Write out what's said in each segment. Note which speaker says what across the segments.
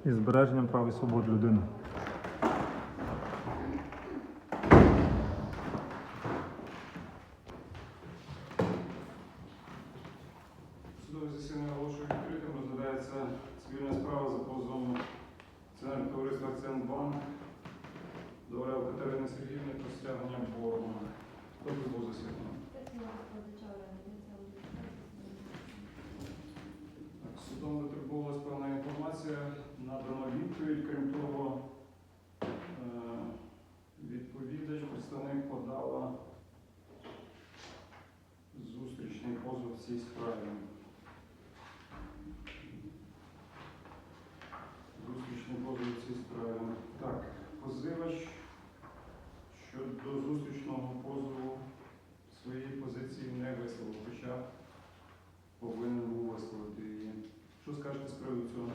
Speaker 1: і збереженням прав і свобод людини.
Speaker 2: Судове засідання оголошую відкритим. Розглядається цивільна справа за позовом акціонерного товариства «Акціонбанк» до Орел Катерини Сергіївни про стягнення боргу. Хто був засідання? Судом витребувалась певна інформація, надана відповідь. Крім того, відповідач, представник подала зустрічний позов в цій справі. Зустрічний позов в цій справі. Так, позивач щодо зустрічного позову своєї позиції не висловив, хоча повинен був висловити її. Що скажете з приводу цього?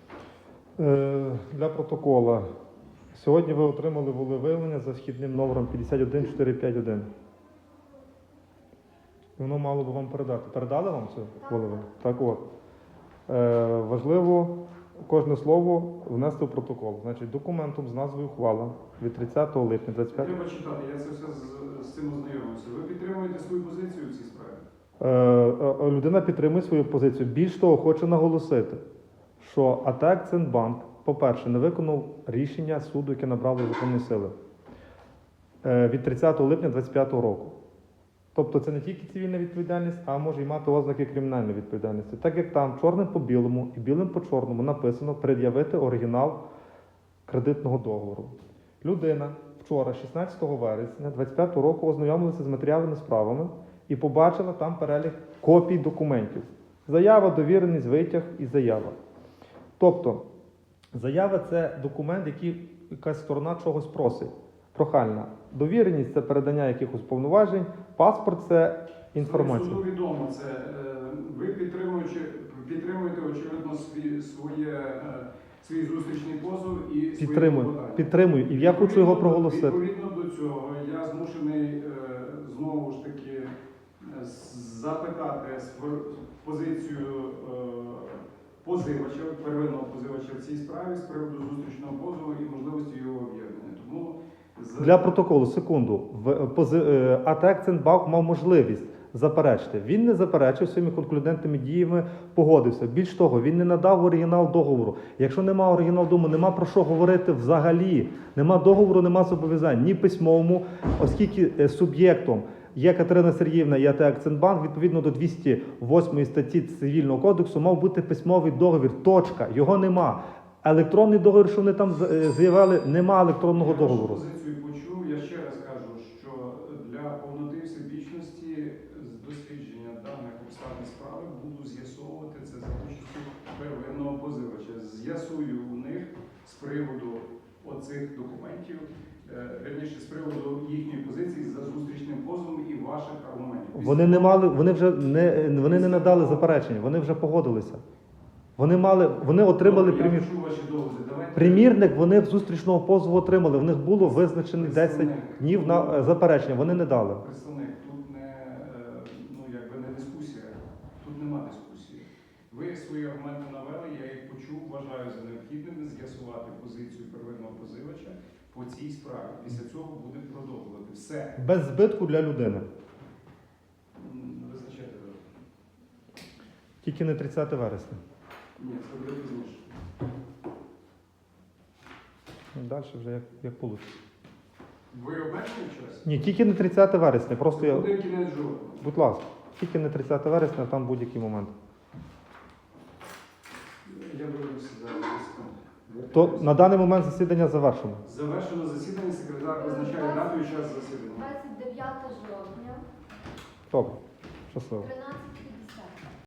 Speaker 1: Для протокола. Сьогодні ви отримали волевиявлення за вхідним номером 51451. Воно мало би вам передати. Передали вам це волевиявлення? Так от. Важливо кожне слово внести в протокол. Значить, документом з назвою ухвала від 30 липня 25.
Speaker 2: Треба читати, я це все з цим ознайомився. Ви підтримуєте свою позицію в цій справі?
Speaker 1: Людина підтримує свою позицію. Більш того, хочу наголосити, що АТ «Акціонбанк», по-перше, не виконав рішення суду, яке набрало законної сили від 30 липня 2025 року. Тобто це не тільки цивільна відповідальність, а може й мати ознаки кримінальної відповідальності. Так як там чорним по білому і білим по чорному написано пред'явити оригінал кредитного договору. Людина вчора, 16 вересня 2025 року, ознайомилася з матеріальними справами і побачила там перелік копій документів. Заява, довіреність, витяг і заява. Тобто, заява – це документ, який якась сторона чогось просить. Прохальна. Довіреність – це передання якихось повноважень, паспорт – це інформація.
Speaker 2: Суду відомо це. Ви підтримуєте, очевидно, свій зустрічний позов і свої клопотання.
Speaker 1: Підтримую. І я хочу його проголосити.
Speaker 2: Відповідно до цього, я змушений знову ж таки запитати позицію позивача, первинного позивача в цій справі з приводу зустрічного позову і можливості його об'єднання. Тому
Speaker 1: для протоколу, секунду. АТ «Акціонбанк» мав можливість заперечити. Він не заперечив своїми конклюдентними діями, погодився. Більш того, він не надав оригінал договору. Якщо немає оригіналу договору, нема про що говорити взагалі. Нема договору, нема зобов'язань. Ні письмовому, оскільки суб'єктом є Катерина Сергіївна і АТ «Акціонбанк», відповідно до 208 статті Цивільного кодексу, мав бути письмовий договір. Точка. Його нема. Електронний договір, що вони там заявили, нема електронного договору.
Speaker 2: Я вашу позицію почув. Я ще раз кажу, що для повноти всебічності з дослідження даних обставин справи буду з'ясовувати це за участю первинного позивача. З'ясую у них з приводу оцих документів, верніше, з приводу їхньої позиції за зустрічним позовом і ваших аргументів.
Speaker 1: Вони не надали заперечення, вони вже погодилися. Вони отримали примірник, вони в зустрічного позову отримали. В них було визначені 10 днів на заперечення, вони не дали.
Speaker 2: Представник, тут не дискусія, тут нема дискусії. Ви свої аргументи навели, я їх почув, вважаю за необхідним з'ясувати позицію первинного позивача по цій справі. Після цього будемо продовжувати. Все.
Speaker 1: Без збитку для людини.
Speaker 2: Визначайте.
Speaker 1: Тільки не 30 вересня.
Speaker 2: Ні, це буде пізніше.
Speaker 1: Далі вже як вийде.
Speaker 2: Ви обмежені час?
Speaker 1: Ні, тільки не 30 вересня. Просто я...
Speaker 2: Буде кінець жовтня.
Speaker 1: Будь ласка, тільки не 30 вересня, а там будь-який момент.
Speaker 2: Я виявився зараз.
Speaker 1: То на даний момент засідання завершено.
Speaker 2: Завершено засідання, секретар визначає дату і час засідання.
Speaker 3: 29 жовтня,
Speaker 1: Добре, щасливо.
Speaker 3: 13